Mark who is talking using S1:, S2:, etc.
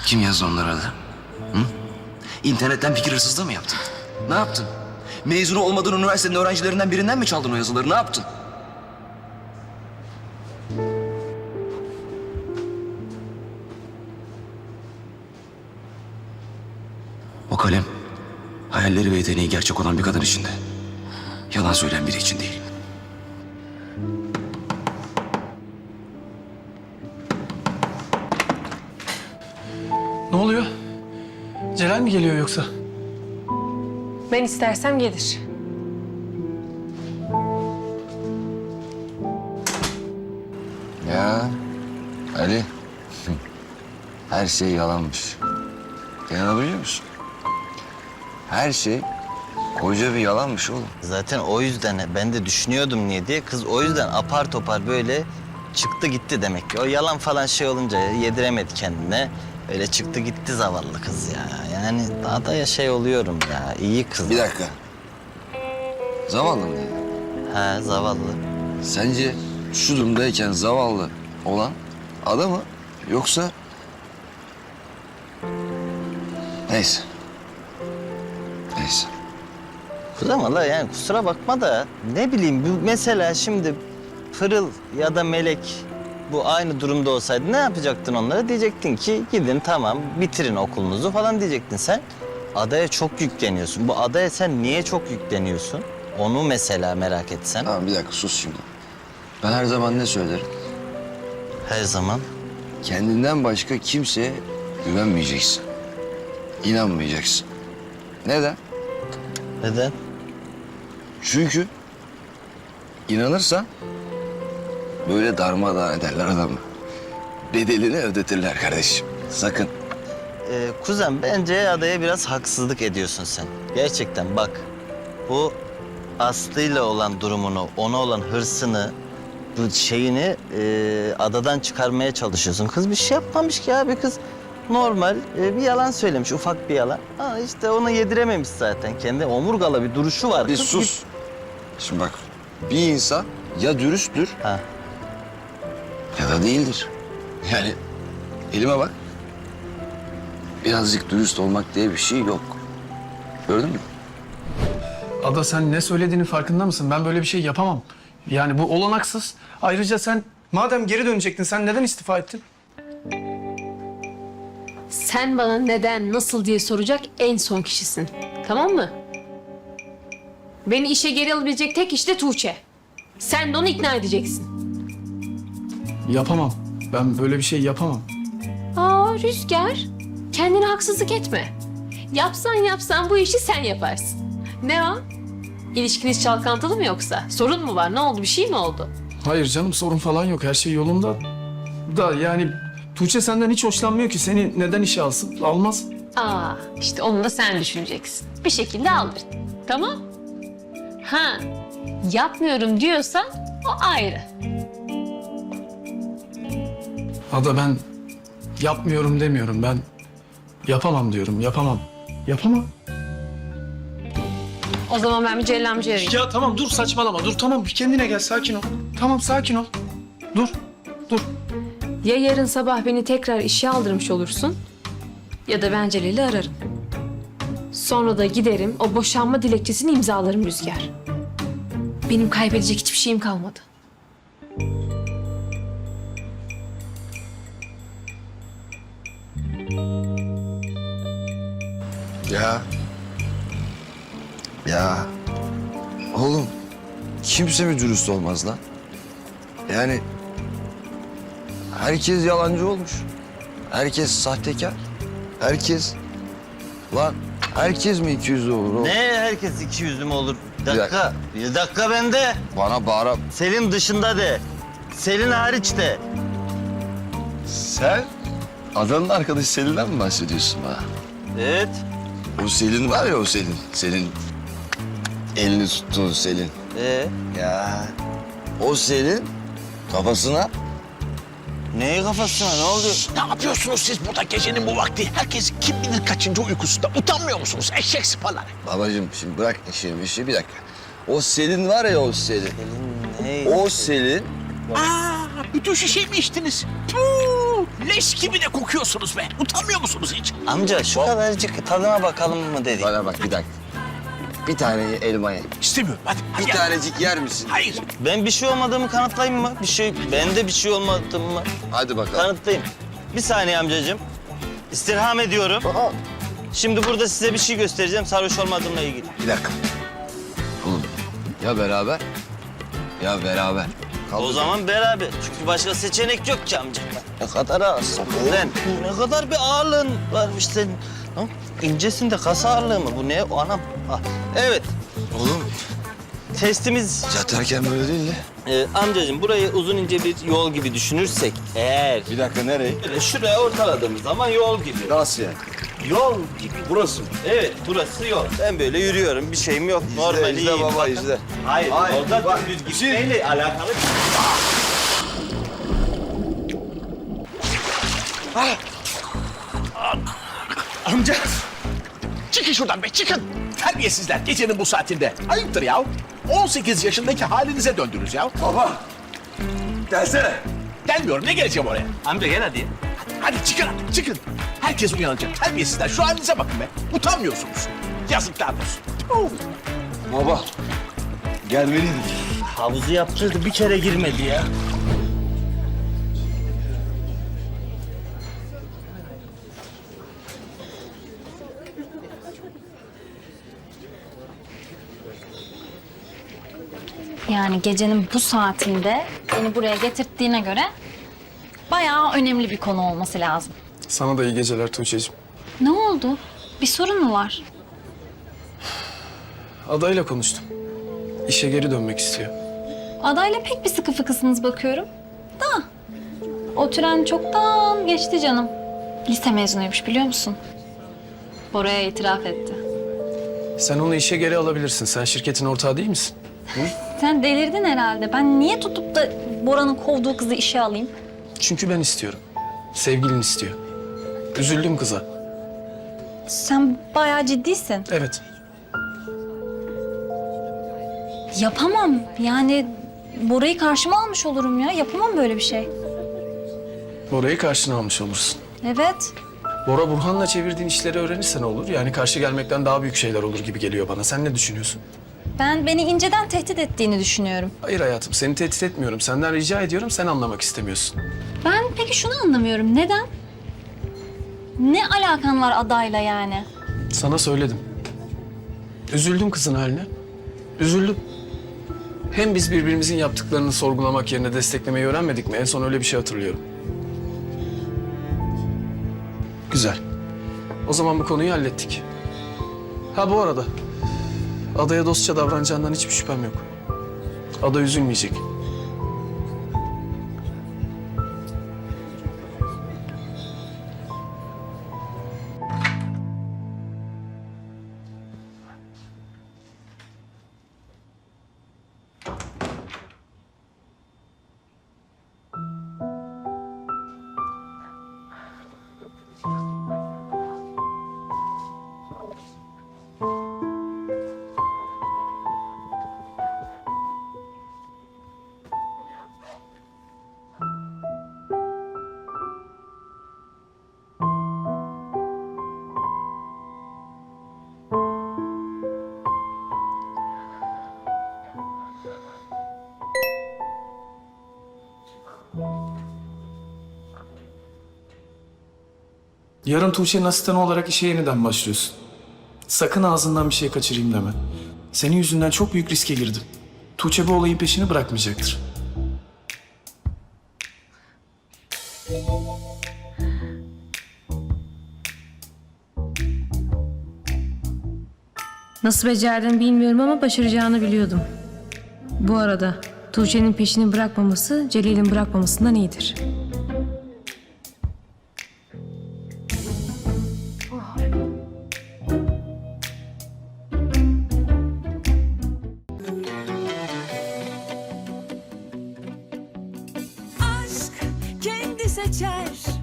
S1: Kim yazdı onları adı? Hı? İnternetten fikir hırsızlığı mı yaptın? Ne yaptın? Mezunu olmadığın üniversitenin öğrencilerinden birinden mi çaldın o yazıları? Ne yaptın? O kalem, hayalleri ve yeteneği gerçek olan bir kadın içinde. Yalan söyleyen biri için değil.
S2: Ne oluyor? Celal mi geliyor yoksa?
S3: Ben istersem gelir.
S4: Ya Ali, her şey yalanmış. İnanabiliyor musun? Her şey koca bir yalanmış oğlum.
S5: Zaten o yüzden ben de düşünüyordum niye diye. Kız o yüzden apar topar böyle çıktı gitti demek ki. O yalan falan şey olunca yediremedi kendine. Öyle çıktı gitti zavallı kız ya. Yani daha da ya şey oluyorum ya. İyi kız.
S4: Bir dakika. Zavallı mı dedin?
S5: Ha zavallı.
S4: Sence şu durumdayken zavallı olan adam mı yoksa... Neyse. Neyse.
S5: Kız ama la yani kusura bakma da ne bileyim bu mesela şimdi Pırıl ya da Melek bu aynı durumda olsaydı ne yapacaktın onlara? Diyecektin ki gidin tamam bitirin okulunuzu falan diyecektin sen. Adaya çok yükleniyorsun. Bu adaya sen niye çok yükleniyorsun? Onu mesela merak etsen.
S4: Tamam bir dakika sus şimdi. Ben her zaman ne söylerim?
S5: Her zaman.
S4: Kendinden başka kimseye güvenmeyeceksin. İnanmayacaksın. Neden?
S5: Neden?
S4: Çünkü inanırsan böyle darmadağın ederler adamı. Bedelini ödetirler kardeşim. Sakın.
S5: Kuzen bence adaya biraz haksızlık ediyorsun sen. Gerçekten bak bu Aslı'yla olan durumunu, ona olan hırsını, bu şeyini adadan çıkarmaya çalışıyorsun. Kız bir şey yapmamış ki abi kız. Normal bir yalan söylemiş, ufak bir yalan. Ha işte onu yedirememiş zaten. Kendi omurgalı bir duruşu var.
S4: Bir
S5: Kız
S4: sus. Şimdi bak bir insan ya dürüsttür
S5: Ha.
S4: ya da değildir. Yani elime bak. Birazcık dürüst olmak diye bir şey yok. Gördün mü?
S2: Ada sen ne söylediğinin farkında mısın? Ben böyle bir şey yapamam. Yani bu olanaksız. Ayrıca sen madem geri dönecektin sen neden istifa ettin?
S3: Sen bana neden, nasıl diye soracak en son kişisin. Tamam mı? Beni işe geri alabilecek tek kişi de Tuğçe. Sen de onu ikna edeceksin.
S2: Yapamam. Ben böyle bir şey yapamam.
S3: Aa Rüzgar, kendine haksızlık etme. Yapsan bu işi sen yaparsın. Ne o? İlişkiniz çalkantılı mı yoksa? Sorun mu var? Ne oldu? Bir şey mi oldu?
S2: Hayır canım sorun falan yok. Her şey yolunda. Da yani Tuğçe senden hiç hoşlanmıyor ki. Seni neden işe alsın? Almaz.
S3: Aa, işte onu da sen düşüneceksin. Bir şekilde alır. Tamam? Ha, yapmıyorum diyorsan o ayrı.
S2: Ada ben yapmıyorum demiyorum. Ben yapamam diyorum. Yapamam. Yapamam.
S3: O zaman ben bir Celal amcayı arayayım.
S2: Ya tamam dur saçmalama. Dur tamam bir kendine gel sakin ol. Tamam sakin ol. Dur. Dur.
S3: Ya yarın sabah beni tekrar işe aldırmış olursun ya da ben Celal'i ararım. Sonra da giderim o boşanma dilekçesini imzalarım Rüzgar. Benim kaybedecek hiçbir şeyim kalmadı.
S4: Ya. Ya. Oğlum kimse mi dürüst olmaz lan? Yani herkes yalancı olmuş. Herkes sahtekar. Herkes... Lan herkes mi 200'lü olur oğlum?
S5: Ne herkes iki yüzlü mü olur? Bir
S4: Bir
S5: dakika. Bir dakika bende.
S4: Bana bağıra...
S5: Selin dışında de. Selin hariç de.
S4: Sen adanın arkadaşı Selin'den mi bahsediyorsun bana?
S5: Evet.
S4: O Selin var ya o Selin. Senin elini tuttuğun Selin. Ya o Selin kafasına...
S5: Neyi kafasına ne oluyor?
S6: Ne yapıyorsunuz siz burada gecenin bu vakti? Herkes kim bilir kaçıncı uykusunda. Utanmıyor musunuz eşek sıpaları?
S4: Babacığım şimdi bırak işi bir dakika. O Selin var ya o Selin.
S5: Selin ne?
S4: O Selin
S6: Aa, bütün şişeyi mi içtiniz? Puh! Leş gibi de kokuyorsunuz be. Utanmıyor musunuz hiç?
S5: Amca şu kadarcık tadına bakalım mı dedik.
S4: Bana bak bir dakika. Bir tane elma ye.
S6: İstemiyorum. Hadi
S4: Bir
S6: gel.
S4: tanecik yer misin?
S6: Hayır.
S5: Ben bir şey olmadığımı kanıtlayayım mı? Bende bir şey olmadığımı
S4: Hadi bakalım.
S5: kanıtlayayım. Bir saniye amcacığım. İstirham ediyorum. Şimdi burada size bir şey göstereceğim sarhoş olmadığımla ilgili.
S4: Bir dakika. Oğlum ya beraber ya beraber.
S5: O zaman beraber. Çünkü başka seçenek yok ki amca. Ne kadar ağırsın lan. Ne kadar bir ağırlığın varmış senin. Ha? İncesin de kas ağırlığı mı? Bu ne? O anam. Ah. Evet.
S4: Oğlum
S5: Testimiz
S4: yatarken böyle değil de.
S5: amcacığım burayı uzun ince bir yol gibi düşünürsek eğer
S4: Bir dakika nereye?
S5: böyle şuraya ortaladığımız zaman yol gibi.
S4: Nasıl yani?
S5: Yol gibi.
S4: Burası mı?
S5: Evet burası yol. Ben böyle yürüyorum bir şeyim yok. Normal
S4: izle
S5: iyiyim.
S4: baba,
S5: Bakın.
S4: izle.
S5: Hayır,
S4: Hayır,
S5: orada
S4: bak,
S5: düz gitmeyle alakalı.
S6: Amca. Çıkın şuradan be çıkın. Terbiyesizler gecenin bu saatinde. Ayıptır ya. 18 yaşındaki halinize döndünüz ya.
S4: Baba gelsene.
S6: Gelmiyorum ne geleceğim oraya.
S5: Amca gel hadi.
S6: Hadi çıkın artık çıkın. Herkes uyanacak. Terbiyesizler şu halinize bakın be. Utanmıyorsunuz. Yazıklar olsun. Tüh.
S4: Baba gelmeliydin.
S5: Havuzu yaptırdı bir kere girmedi ya.
S7: Yani gecenin bu saatinde beni buraya getirttiğine göre bayağı önemli bir konu olması lazım.
S2: Sana da iyi geceler Tuğçe'cim.
S7: Ne oldu? Bir sorun mu var?
S2: Adayla konuştum. İşe geri dönmek istiyor.
S7: Adayla pek bir sıkı fıkısınız bakıyorum. Da o tren çoktan geçti canım. Lise mezunuymuş biliyor musun? Bora'ya itiraf etti.
S2: Sen onu işe geri alabilirsin. Sen şirketin ortağı değil misin?
S7: Sen delirdin herhalde. Ben niye tutup da Bora'nın kovduğu kızı işe alayım?
S2: Çünkü ben istiyorum. Sevgilin istiyor. Üzüldüm kıza.
S7: Sen bayağı ciddisin.
S2: Evet.
S7: Yapamam. Yani Bora'yı karşıma almış olurum ya. Yapamam böyle bir şey.
S2: Bora'yı karşına almış olursun.
S7: Evet.
S2: Bora Burhan'la çevirdiğin işleri öğrenirse ne olur? Yani karşı gelmekten daha büyük şeyler olur gibi geliyor bana. Sen ne düşünüyorsun?
S7: Ben beni inceden tehdit ettiğini düşünüyorum.
S2: Hayır hayatım, seni tehdit etmiyorum. Senden rica ediyorum, sen anlamak istemiyorsun.
S7: Ben peki şunu anlamıyorum. Neden? Ne alakan var adayla yani?
S2: Sana söyledim. Üzüldüm kızın haline. Üzüldüm. Hem biz birbirimizin yaptıklarını sorgulamak yerine desteklemeyi öğrenmedik mi? En son öyle bir şey hatırlıyorum. Güzel. O zaman bu konuyu hallettik. Ha bu arada, Ada'ya dostça davranacağından hiçbir şüphem yok. Ada üzülmeyecek. Yarın Tuğçe'nin asistanı olarak işe yeniden başlıyorsun. Sakın ağzından bir şey kaçırayım deme. Senin yüzünden çok büyük riske girdim. Tuğçe bu olayın peşini bırakmayacaktır.
S3: Nasıl becerdin bilmiyorum ama başaracağını biliyordum. Bu arada Tuğçe'nin peşini bırakmaması Celil'in bırakmamasından iyidir.
S8: Aşk kendi seçer